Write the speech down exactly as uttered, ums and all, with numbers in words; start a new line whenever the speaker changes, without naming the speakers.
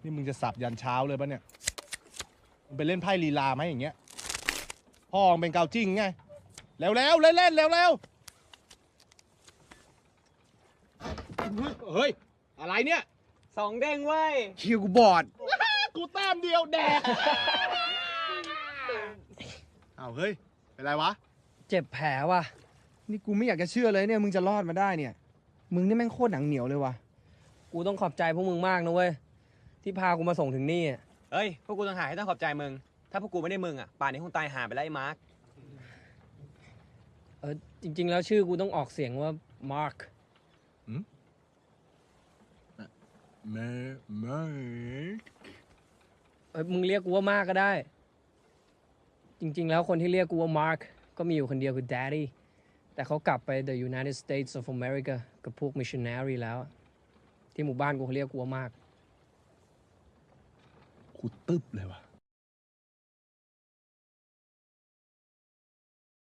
นี่มึงจะสับยันเช้าเลยปะเนี่ยมึงไปเล่นไพ่ลีลาไหมอย่างเงี้ยพ่อมึงเป็นเกาจิ้งไงแล้วแล้วเล่นเล่นแล้วแล้วเฮ้ยอะไรเนี่ย
สองเด้งเว้ย
คิวกูบอด
กูแต้มเดียวแดกอ้าวเฮ้ยเป็นไรวะ
เจ็บแผลว่ะนี่กูไม่อยากจะเชื่อเลยเนี่ยมึงจะรอดมาได้เนี่ยมึงนี่แม่งโคตรหนังเหนียวเลยว่ะ
กูต้องขอบใจพวกมึงมากนะเว้ยที่พากูมาส่งถึงนี่เฮ้ยพวกกูต้องหาให้ต้องขอบใจมึงถ้าพวกกูไม่ได้มึงอ่ะป่านนี้คงตายหาไปแล้วไอ้มาร์คเออจริงๆแล้วชื่อกูต้องออกเสียงว่ามาร์ค
เมเม
เออมึงเรียกกูว่ามากก็ได้จริงๆแล้วคนที่เรียกกูว่ามาร์คก็มีอยู่คนเดียวคือ Daddy แต่เขากลับไป The United States of America กับพวก missionary แล้วที่หมู่บ้านกูเขาเรียกกูว่ามาก
กูตึ๊บเลยว่ะ